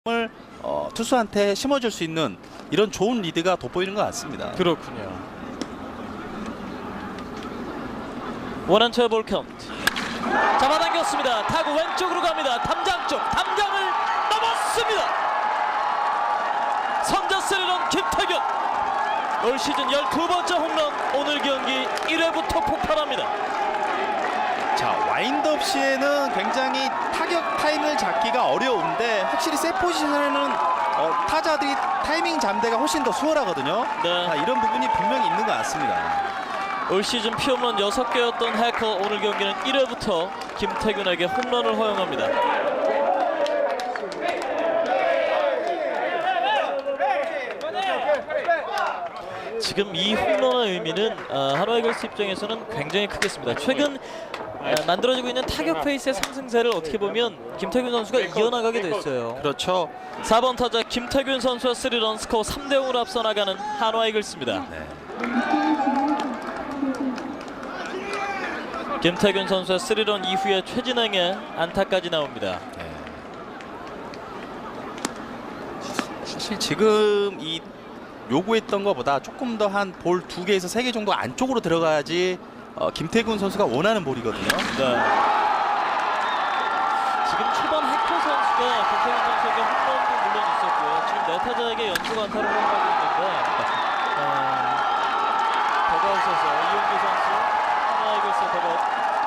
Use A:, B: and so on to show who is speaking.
A: 을 투수한테 심어줄 수 있는 이런 좋은 리드가 돋보이는 것 같습니다.
B: 그렇군요. 원앤투의 볼 카운트. 잡아당겼습니다. 타구 왼쪽으로 갑니다. 담장 쪽, 담장을 넘었습니다. 선저 3런 김태균. 올 시즌 12번째 홈런. 오늘 경기 1회부터 폭발합니다.
A: 자, 와인드업 시에는 굉장히 타격 타임을 잡기가 어려운데 확실히 셋 포지션에는 타자들이 타이밍 잠대가 훨씬 더 수월하거든요.
B: 네.
A: 자, 이런 부분이 분명히 있는 것 같습니다.
B: 올 시즌 피홈런 6개였던 해커, 오늘 경기는 1회부터 김태균에게 홈런을 허용합니다. 지금 이 홈런의 의미는 한화 이글스 입장에서는 굉장히 크겠습니다. 최근 만들어지고 있는 타격 페이스의 상승세를 어떻게 보면 김태균 선수가 이어나가게 됐어요.
A: 그렇죠.
B: 4번 타자 김태균 선수와 3런, 스코어 3대0으로 앞서 나가는 한화 이글스입니다.
A: 네.
B: 김태균 선수의 3런 이후에 최진행의 안타까지 나옵니다.
A: 네. 사실 지금 이 요구했던 것보다 조금 더 한 볼 2개에서 3개 정도 안쪽으로 들어가야지 김태균 선수가 원하는 볼이거든요.
B: 네. 지금 초반 해커 선수가 김태균 선수에게 홈런도 물론 있었고요. 지금 네 타자에게 연속 안타를 허용하고 있는데 더가웃에서 이용규 선수, 하나 이글스 더가웃